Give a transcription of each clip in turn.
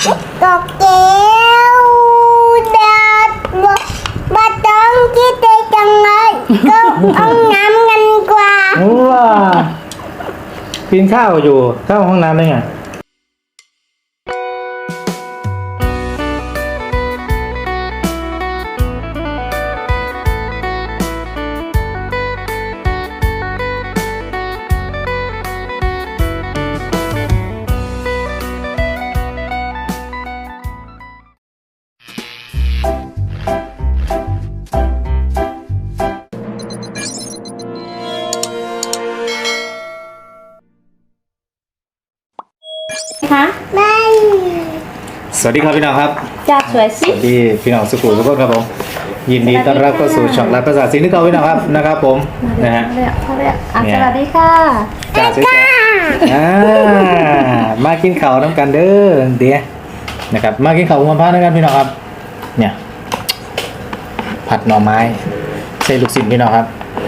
กอกเกลเด็ดมาต้องคิดได้จังเลยก็เอาน้ำกันกว่าว้ากินข้าวอยู่เข้าห้องน้ำได้ไงคะไม่สวัสดีครับพี่น้องครับจัดสวยสสิวัสดีพี่น้องสุขุมทุกคนครับผมยินดีต้อนรับเข้าสู่ช่องรับภาษาสิงห์ที่เก่าพี่น้องครับนะครับผมนะฮะเขาเรียกสวัสดีค่ะจ่าสวยๆมากินข้าวน้ำกันเด้อเดี๋ยวนะครับมากินข้าวหัวพระนะครับพี่น้องครับเนี่ยผัดหน่อไม้ใส่ลูกศิษย์พี่น้องครับ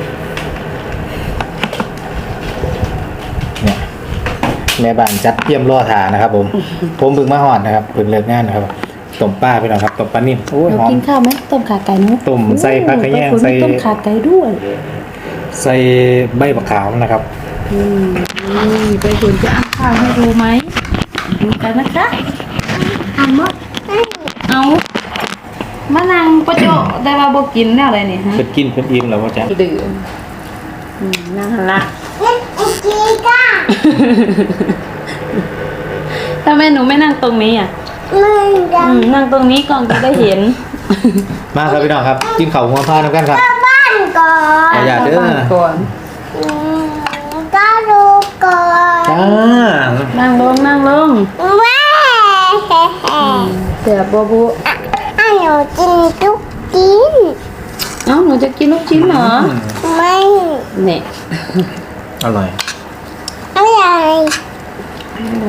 เนี่ยแม่บ้านจัดเตรียมรอทานนะครับผมเพิ่งมาหอดนะครับเพิ่งเลิกงานนะครับต้มปลาพี่น้องครับต้มปลานิ่มโอ้ยเราหอมกินข้าวไหมต้มขาไก่นุ๊กต้มใส่ผักกระแยงใส่ต้มขาไก่ด้วยใส่ใบมะขามนะครับนี่ไปคุณจะเอาข้าวให้ดูไหมดูกันนะคะทำหมดเอามานั่งประโจได้ว่าบอกกินแล้วอะไรเนี่ยฮะเพิ่นกินเพิ่นอิ่มแล้วว่าจ๊ะดื่มนั่งละเล่นอีกทีก้าทำไมหนูไม่นั่งตรงนี้อ่ะมึงจะนั่งตรงนี้ก่อนจะได้เห็นมาครับพี่น้องครับกินข้าวหัวพาน้ำกันครับเข้าบ้านก่อนอย่าเด้อข้บ้นก่อนก็ดูก่อนจ้านั่งลงนั่งลงแม่เสียบัวบุหนูกินทุกกินเอ้าหนูจะกินลูกชิ้นเหรอไม่เนี่ยอร่อยอะไรอะไร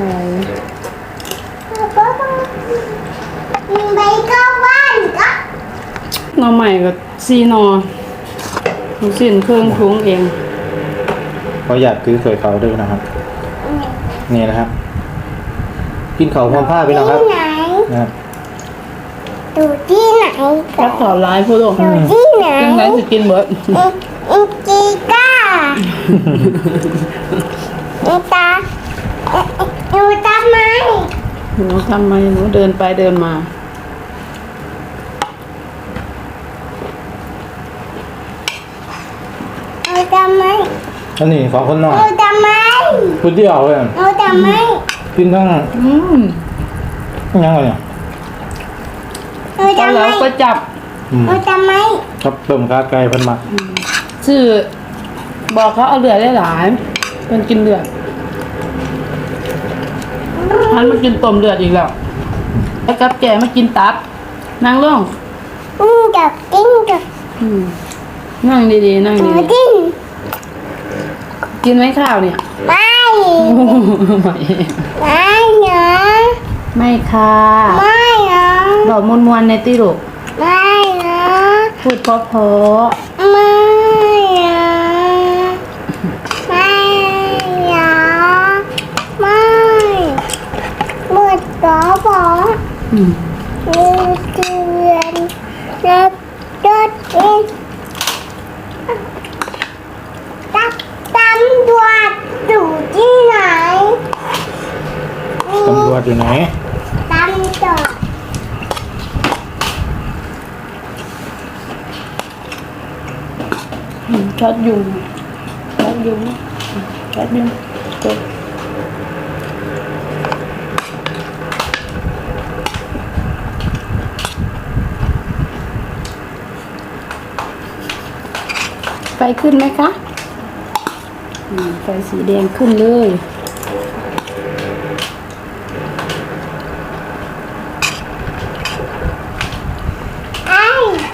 มึงไปเข้าบ้านก็หน่อใหม่กับซีนอหนูสินเครื่องทุงเองเขาอยากซื้อสวยเขาด้วยนะครับนี่นะครับ กินข้าวหัวพาพี่น้องครับที่ไหนนะครับดูที่ไหนรักษาร้ายพูดตรงดูที่ไหนกินไหนจะกินเบิร์ดอินจีก้าอินตาหนูทำไมหนูทำไมหนูเดินไปเดินมาหนูทำไมอันนี้ของคนนอกหนูทำไมพูดเดียวเลยหนูทำไมกินทั้ง ยังไงเนี่ยหนูตอนทำไมแล้วก็จับหนูทำไมครับต้มขาไก่เพิ่นมาชื่อบอกเขาเอาเลือดได้หลายเป็นกินเลือดท่านมากินต้มเลือดอีกแล้วแล้วกับแกมากินตับนั่งลงจะกินจะนั่งดีๆนั่งหนูดีกินๆกินไหมข้าวเนี่ยไม่ไม่ไม่นะไม่ค่ะไม่นะบอกมวนๆในติลูกไม่นะพูดเพราะไม่นะไม่นะไม่หมดแล้วบอๆมีเดือนรับรถเองตำรวจอยู่ที่ไหนตำรวจอยู่ไหนตำรวจช็อตยุงช็อตยุงช็อตยุงจบไฟขึ้นไหมคะไฟสีแดงขึ้นเลยไอ้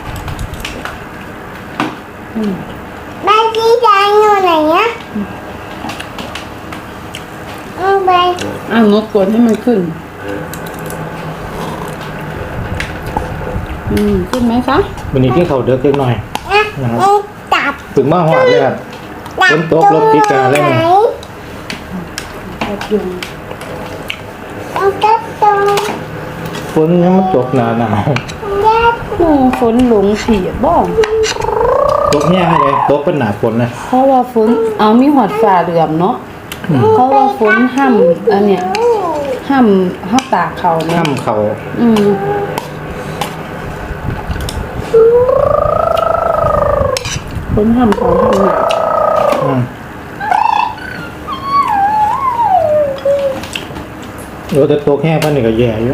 ใบที่แดงอยู่ไหนอะเอาไปนกกดให้มันขึ้น ขึ้นไหมคะวันนี้กินข้าวเด็กเล็กน้อย นะครับจับถึงมาหอดเลยครับ ฝนตกรถติดกันเลยไหนช็อตยุงเอาตัดตรงนยังมันตกหนาหนาวฝนหลงผีบ่ตกแห้งเลยตกเป็นหนาฝนนะเพราะว่าฝนเอามีหอดฝ่าเหลื่อมเนาะเพราะว่าฝนห้ำอันเนี้ยห้ำตากเขาเนี่ยข้ามเขาฝนห้ำเขาห้ำหนักเดี๋ยวแต่ตกแห้งพันนี่ก็แย่อยู่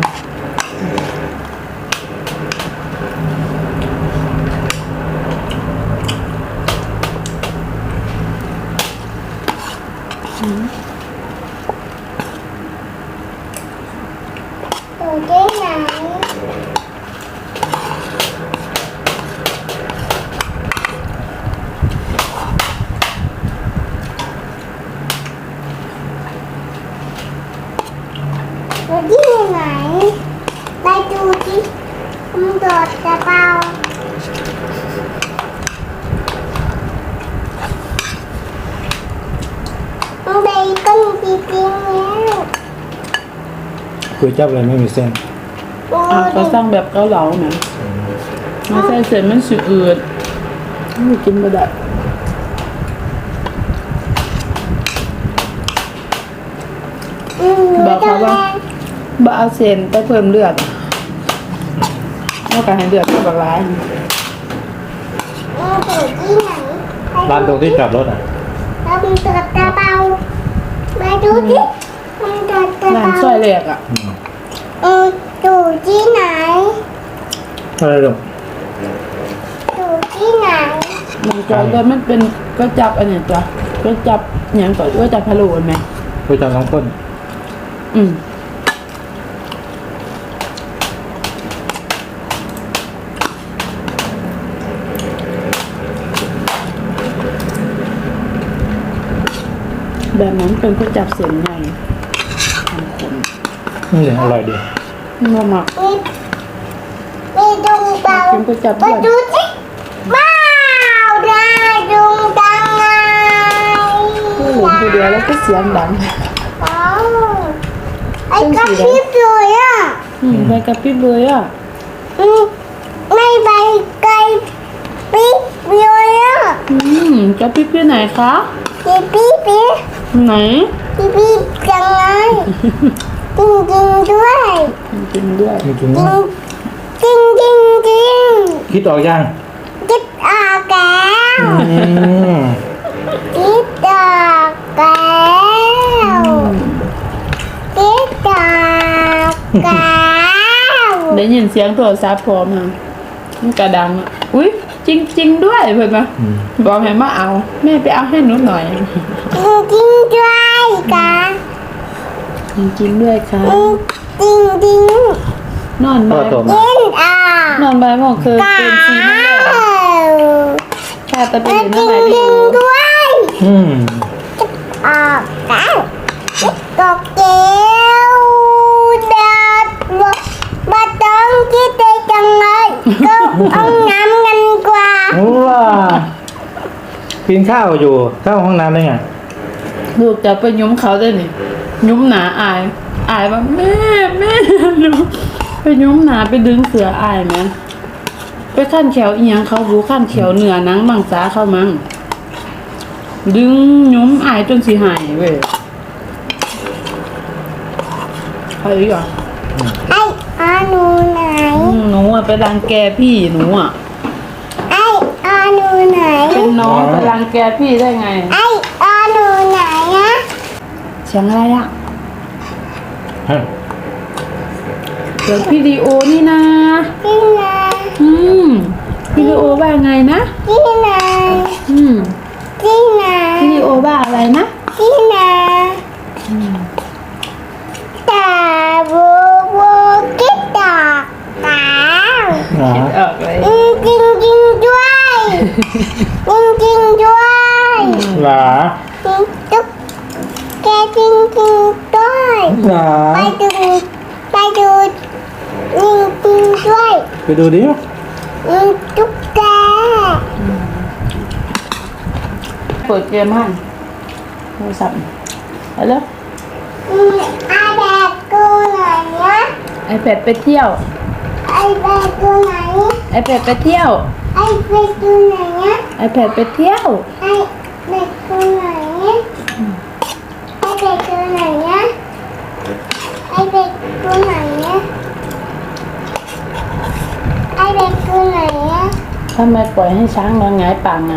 อยู่ที่ไหนอยู่ที่ไหนไปดูที่มันโดดกระเป๋ามันไปก้นจริงๆแล้วคุยจับเลยไม่มีเส้นโอ้ก็ยสร้างแบบเกาเหลาเนี่ยมาใส่เสร็จมันสิอืดไม่กินบ่ได้ บอกเขาว่าบ่เอาเส้นไปเพิ่มเลือดแล้วก็ให้เลือดกับร้ายอยู่ที่ไหนร้านตรงที่จอดรถอ่ะแล้วมันโดดกระเป๋าไปดูที่มันโดดกระร้านเป๋าซอยแรกอ่ะอยู่ที่ไหนอะไรลูกอยู่ที่ไหนมันก็แต่มันเป็นก็จับอันเนี้ยจ้ะก็จับอย่างก่อนก็จับพะโล้ไหมคุยจับน้องคนแบบนั้นเป็นก็จับเส้นใหญ่ทำคนนี่อร่อยดีมาหมักมีดวงดาวเป็นก็จับมาด้วยดูสิว้าวได้ดวงดาวไงผู้หญิงผู้เดียวแล้วก็เสียงดังว้าวไอ้กระพริบเลยอ่ะไปกระพริบเลยอ่ะไม่ไปไกลปิ๊บเลยอ่ะกระพริบที่ไหนคะปิ๊บปิ๊บปิ๊บไหนปิ๊บปิ๊บจังไงจริงจริงด้วยกินด้วยจริงจริงจริงจริงจริงๆคิดออกยังคิดออกแล้ว คิดออกแล้วคิดออกแล้วได้ยินเสียงโทรศัพท์พร้อมนะมันกระดังอ่ะอุ้ยจริง ๆ ด้วยเพื่อนมาบอกให้มาเอาแม่ไปเอาให้หนูหน่อยจริงจริงด้วยค่ะจริงๆด้วยค่ะจริงจริงนอนพ่อบ่ายโตมาคิดออกนอนบ่ายโมงคือแล้เป็นซีนั่นแหละวแค่ตะจเป็รินงนั่นแหละจดีริงด้วยอืมออกแล้วตกเกลียวดัดมาต้องคิดได้จังเลยก็เอาน้ำกันกว่าว้ากินข้าวอยู่เข้าห้องน้ำได้ไงลูกจะไปยุ้มเขาได้นี่ยุ้มหนาอายว่าแม่หนูไปยุ้มหนาไปดึงเสืออายไหมไปขั้นแขวอีหยังเขารู้ขั้นแขวเหนือนังบางสาเข้ามั้งดึงยุ้มอายจนสิหายเว้ยไปอีกอ่ะไอ้อาหนูไหนหนูอ่ะไปรังแกพี่หนูอ่ะไอ้อาหนูไหนเป็นน้องไปรังแกพี่ได้ไงไอ้อาหนูไหนอะเสียงอะไรอ่ะฮะเดี๋ยววิดีโอนี่นะที่ไหนวิดีโอว่าไงนะที่ไหน ที่ไหนวิดีโอว่าอะไรนะที่ไหนตาบูบูคิดตอกตาอ๋อออกเลยจริงจริงด้วยจริงจริงด้วยหลาตุ๊กแกจริงจริงด้วยหลาไปดูจริงจริงด้วยไปดูดิตุ๊กแกเปิดเกมให้โทรศัพท์ไปแล้วอาแดกกูหน่อยนะไอแพดไปเที่ยวไอแบกตัวไหนไอแพดไปเที่ยวไอแบกตัวไหนอะไอแพดไปเที่ยวไอแบกตัวไหนไอแบกตัวไหนอะไอแบกตัวไหนอะไอแบกตัวไหนอะทำไมปล่อยให้ช้างนอนหงายป่างาน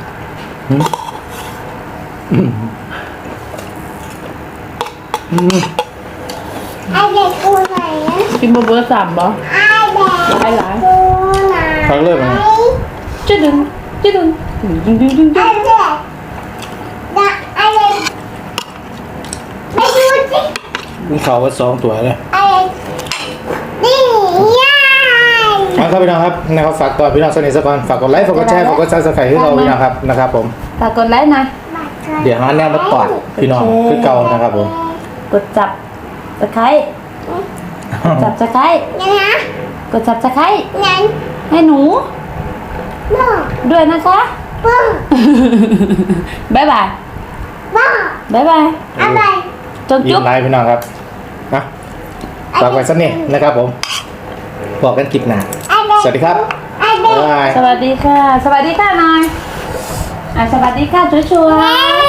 ไอแบกตัวไหนอะกินเบอร์สามบ่ไอแบกไอหลายตัวไหนฟังเริ่มไหมจะดึงจะดึงดึงดึงดึงไอดึงแบกนะไอแบกไม่ดูสิมีเขาว่า2 ตัวเลยไอแบกนี่ยายมาครับพี่น้องครับนะครับฝากก่อนพี่น้องสนิทสักก่อนฝากกดไลค์ฝากกดแชร์ฝากกดซับสไครต์ให้เราพี่น้องครับนะครับผมฝากกดไลค์นะเดี๋ยวหาแนวมาตอดพี่น้องคือเก่านะครับผมกดจับตะไคร้จับตะไคร้ยังนะกดจับตะไคร้ยังให้หนูบ้าด้วยนะคะบ้าบ๊ายบายบ้าบ๊ายบายอะไรจนยิ้จุ๊มบไลค์พี่น้องครับนะฝากไว้สักนิดนะครับผมบอกกันคลิปหน้าสวัสดีครับไอแบบ๊ายกบายสวัสดีค่ะ สวัสดีค่ะหน่อยสวัสดีค่ะชัวร์ๆ